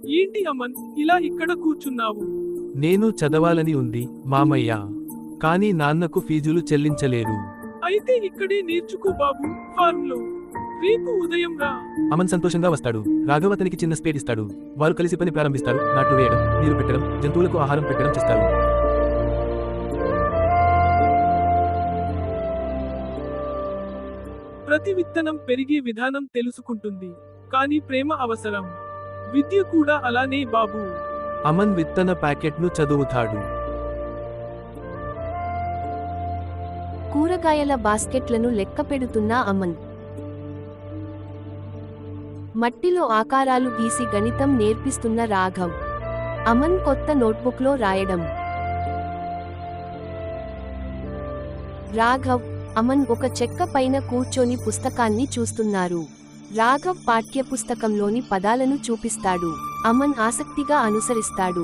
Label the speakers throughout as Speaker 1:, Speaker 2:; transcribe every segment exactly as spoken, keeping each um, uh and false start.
Speaker 1: ఏంటి అమన్, ఇలా ఇక్కడ కూర్చున్నావు?
Speaker 2: నేను చదవాలని ఉంది, మామయ్య. కానీ నాన్నకు ఫీజులు చెల్లించలేరు.
Speaker 1: అయితే ఇక్కడే నేర్చుకో బాబు, ఫార్మ్ లో. రేపు ఉదయం రా.
Speaker 2: అమన్ సంతోషంగా వస్తాడు. రాఘవ్ అతనికి చిన్న స్పేడ్ ఇస్తాడు. వారు కలిసి పని ప్రారంభిస్తారు. నాట్లు వేయడం, నీరు పెట్టడం, జంతువులకు ఆహారం పెట్టడం చేస్తారు.
Speaker 1: ప్రతి విత్తనం పెరిగే విధానం తెలుసుకుంటుంది. కానీ ప్రేమ అవసరం. విద్య కూడా అలానే బాబు.
Speaker 2: అమన్ విత్తన ప్యాకెట్ను చదువుతాడు.
Speaker 3: కూరగాయల బాస్కెట్లను లెక్కపెడుతున్న అమన్. మట్టిలో ఆకారాలు గీసి గణితం నేర్పిస్తున్న రాఘవ్. అమన్ కొత్త నోట్బుక్లో రాయడం. రాఘవ్, అమన్ ఒక చెక్క పైన కూర్చొని పుస్తకాన్ని చూస్తున్నారు. రాఘవ్ పాఠ్యపుస్తకంలోని పదాలను చూపిస్తాడు. అమన్ ఆసక్తిగా అనుసరిస్తాడు.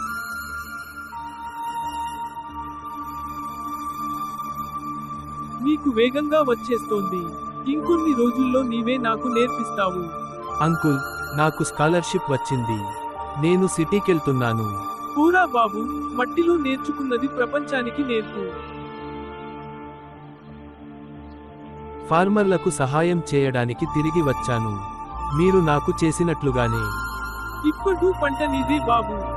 Speaker 1: నీకు వేగంగా వచ్చేస్తోంది. ఇంకొన్ని రోజుల్లో నీవే నాకు నేర్పిస్తావు.
Speaker 2: అంకుల్, నాకు స్కాలర్షిప్ వచ్చింది. నేను సిటీకెళ్తున్నాను.
Speaker 1: పూరా బాబు, మట్టిలో నేర్చుకున్నది ప్రపంచానికి నేర్పు.
Speaker 2: ఫార్మర్లకు సహాయం చేయడానికి తిరిగి వచ్చాను. మీరు నాకు చేసినట్లుగానే.
Speaker 1: ఇప్పుడు పంట నీదే బాబు.